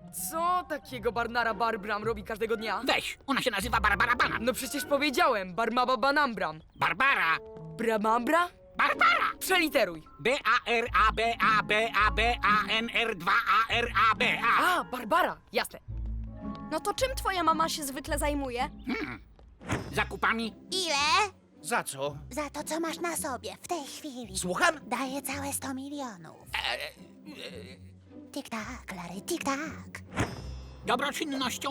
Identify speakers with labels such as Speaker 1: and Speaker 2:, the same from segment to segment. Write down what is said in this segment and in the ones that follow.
Speaker 1: Co takiego Barnara Barbram robi każdego dnia?
Speaker 2: Weź, ona się nazywa Barbara Banan.
Speaker 1: No przecież powiedziałem, Barmaba Banambram.
Speaker 2: Barbara!
Speaker 1: Bramambra?
Speaker 2: Barbara!
Speaker 1: Przeliteruj.
Speaker 2: B-A-R-A-B-A-B-A-N-R-2-A-R-A-B-A.
Speaker 1: A, Barbara, jasne.
Speaker 3: No to czym twoja mama się zwykle zajmuje?
Speaker 2: Zakupami?
Speaker 4: Ile?
Speaker 5: Za co?
Speaker 4: Za to, co masz na sobie w tej chwili.
Speaker 5: Słucham?
Speaker 4: Daję całe 100 milionów. Tik-tak, Larry, tik-tak.
Speaker 2: Dobroczynnością?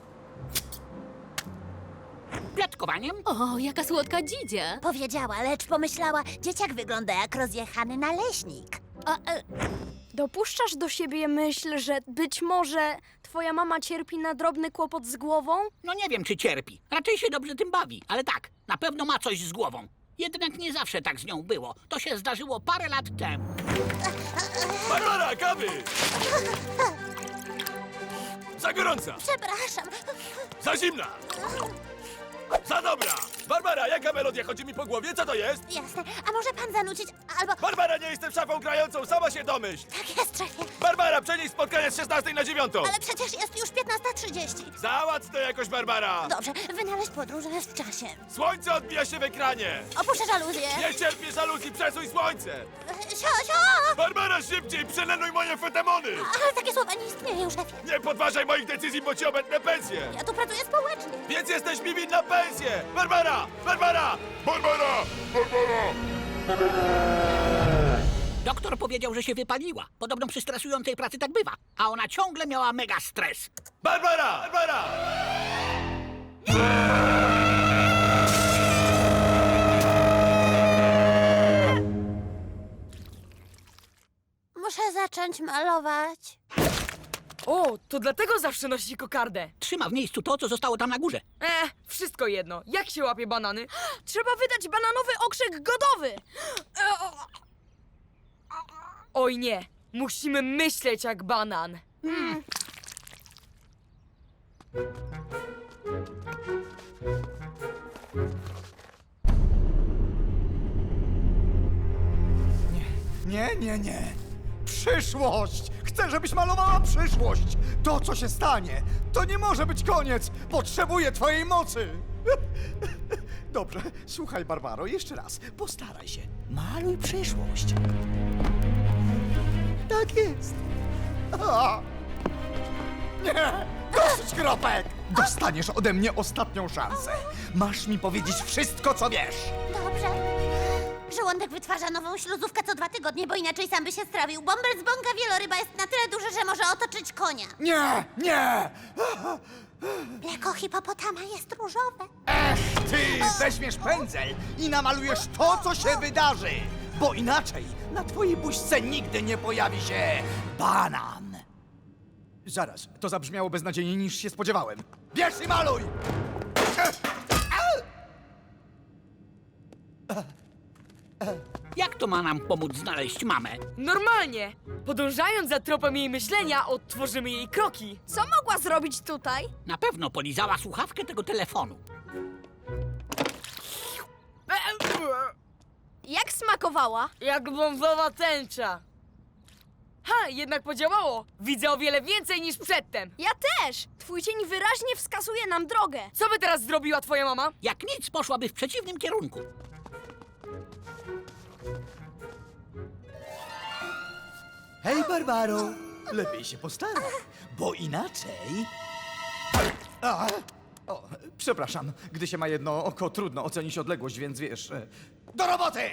Speaker 2: Plotkowaniem?
Speaker 6: O, jaka słodka dzidzia.
Speaker 4: Powiedziała, lecz pomyślała, dzieciak wygląda jak rozjechany naleśnik.
Speaker 3: Dopuszczasz do siebie myśl, że być może twoja mama cierpi na drobny kłopot z głową?
Speaker 2: No nie wiem, czy cierpi. Raczej się dobrze tym bawi, ale tak, na pewno ma coś z głową. Jednak nie zawsze tak z nią było. To się zdarzyło parę lat temu.
Speaker 7: Barbara, kawy! Za gorąca!
Speaker 4: Przepraszam.
Speaker 7: Za zimna! Za dobra! Barbara, jaka melodia chodzi mi po głowie? Co to jest?
Speaker 4: Jasne. A może pan zanucić, albo...
Speaker 7: Barbara, nie jestem szafą grającą, sama się domyśl!
Speaker 4: Tak jest, szefie.
Speaker 7: Barbara, przenieś spotkanie z 16 na 9!
Speaker 4: Ale przecież jest już 15:30.
Speaker 7: Załatw to jakoś, Barbara!
Speaker 4: Dobrze, wynaleźć podróże w czasie.
Speaker 7: Słońce odbija się w ekranie!
Speaker 4: Opuszczę żaluzję.
Speaker 7: Nie cierpię żaluzji, przesuń słońce!
Speaker 4: Sio!
Speaker 7: Barbara, szybciej, przelenuj moje fetemony!
Speaker 4: Ale takie słowa nie istnieją, szefie.
Speaker 7: Nie podważaj moich decyzji, bo ci obetnę pensję!
Speaker 4: Ja tu pracuję społecznie.
Speaker 7: Więc jesteś mi winna pensję! Barbara! Barbara! Barbara! Barbara!
Speaker 2: Doktor powiedział, że się wypaliła. Podobno przy stresującej pracy tak bywa. A ona ciągle miała mega stres.
Speaker 7: Barbara! Barbara!
Speaker 4: Muszę zacząć malować.
Speaker 1: O, to dlatego zawsze nosi kokardę.
Speaker 2: Trzyma w miejscu to, co zostało tam na górze.
Speaker 1: Wszystko jedno. Jak się łapie banany?
Speaker 3: Trzeba wydać bananowy okrzyk godowy!
Speaker 1: Oj nie, musimy myśleć jak banan.
Speaker 5: Nie, nie, nie. Przyszłość! Chcę, żebyś malowała przyszłość! To, co się stanie, to nie może być koniec! Potrzebuję twojej mocy! Dobrze, słuchaj, Barbaro, jeszcze raz. Postaraj się. Maluj przyszłość. Tak jest. A! Nie! Dosyć kropek! Dostaniesz ode mnie ostatnią szansę. Masz mi powiedzieć wszystko, co wiesz.
Speaker 4: Dobrze. Żołądek wytwarza nową śluzówkę co 2 tygodnie, bo inaczej sam by się strawił. Bąbel z bąka wieloryba jest na tyle duży, że może otoczyć konia.
Speaker 5: Nie, nie!
Speaker 4: Mleko hipopotama jest różowe.
Speaker 5: Ty weźmiesz pędzel i namalujesz to, co się wydarzy, bo inaczej na twojej buźce nigdy nie pojawi się banan. Zaraz, to zabrzmiało beznadziejniej niż się spodziewałem. Bierz i maluj!
Speaker 2: Jak to ma nam pomóc znaleźć mamę?
Speaker 1: Normalnie. Podążając za tropem jej myślenia, odtworzymy jej kroki.
Speaker 3: Co mogła zrobić tutaj?
Speaker 2: Na pewno polizała słuchawkę tego telefonu.
Speaker 3: Jak smakowała?
Speaker 1: Jak brązowa tęcza. Ha, jednak podziałało. Widzę o wiele więcej niż przedtem.
Speaker 3: Ja też! Twój cień wyraźnie wskazuje nam drogę.
Speaker 1: Co by teraz zrobiła twoja mama?
Speaker 2: Jak nic, poszłaby w przeciwnym kierunku.
Speaker 5: Hej, Barbaro! Lepiej się postaraj, bo inaczej... O, przepraszam, gdy się ma jedno oko, trudno ocenić odległość, więc wiesz... Do roboty!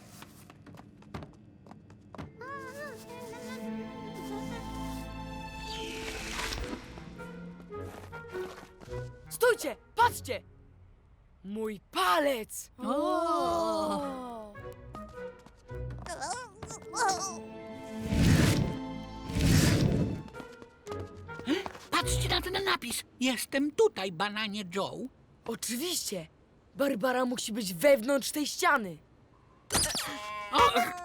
Speaker 1: Stójcie, patrzcie! Mój palec!
Speaker 2: Patrzcie na ten napis. Jestem tutaj, Bananie Joe.
Speaker 1: Oczywiście. Barbara musi być wewnątrz tej ściany.
Speaker 2: O,